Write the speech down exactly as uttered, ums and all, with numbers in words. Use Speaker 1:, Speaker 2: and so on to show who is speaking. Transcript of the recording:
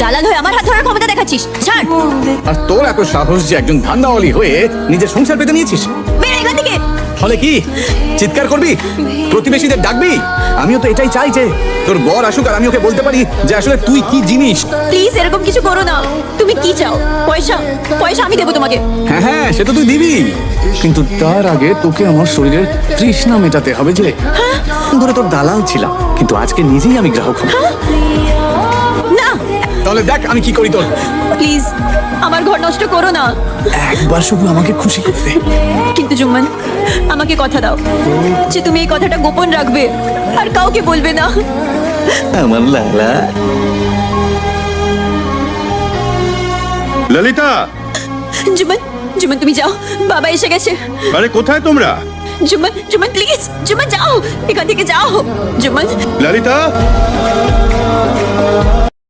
Speaker 1: দালাল হয়ে আমার হাত ধরার ক্ষমতা দেখাচ্ছিস? ছাড়।
Speaker 2: আর তোর এত সাহস যে একজন ধান্দাওয়ালি হয়ে নিজের সংসার পেতে নিয়েছিস?
Speaker 1: বের এখান থেকে।
Speaker 2: ফলে কি চিৎকার করবি, প্রতিবেশীদের ডাকবি? আমিও তো এটাই চাই যে তোর বর আসুক আর আমি ওকে বলতে পারি যে আসলে তুই কি জিনিস।
Speaker 1: প্লিজ এরকম কিছু করো না। তুমি কি চাও? পয়সা? পয়সা আমি দেবো তোমাকে।
Speaker 2: হ্যাঁ হ্যাঁ সে তো তুই দিবি, কিন্তু তার আগে তোকে আমার শরীরের তৃষ্ণা মেটাতে হবে। যে ধরে তোর দালাল ছিলাম, কিন্তু আজকে নিজেই আমি গ্রাহক হব।
Speaker 1: না
Speaker 2: তাহলে দেখ আমি কি করি তোর।
Speaker 1: প্লিজ আমার ঘর নষ্ট করো না।
Speaker 2: একবার শুধু আমাকে খুশি করতে।
Speaker 1: কিন্তু জুম্মান, আমাকে কথা দাও যে তুমি এই কথাটা গোপন রাখবে আর কাউকে বলবে না।
Speaker 2: আমার লালা।
Speaker 3: ললিতা,
Speaker 1: জুম্মান, জুম্মান তুমি যাও, বাবা এসে গেছে।
Speaker 3: আরে কোথায় তোমরা?
Speaker 1: জুম্মান, জুম্মান প্লিজ, জুম্মান যাও, এখান থেকে যাও। জুম্মান।
Speaker 3: ললিতা।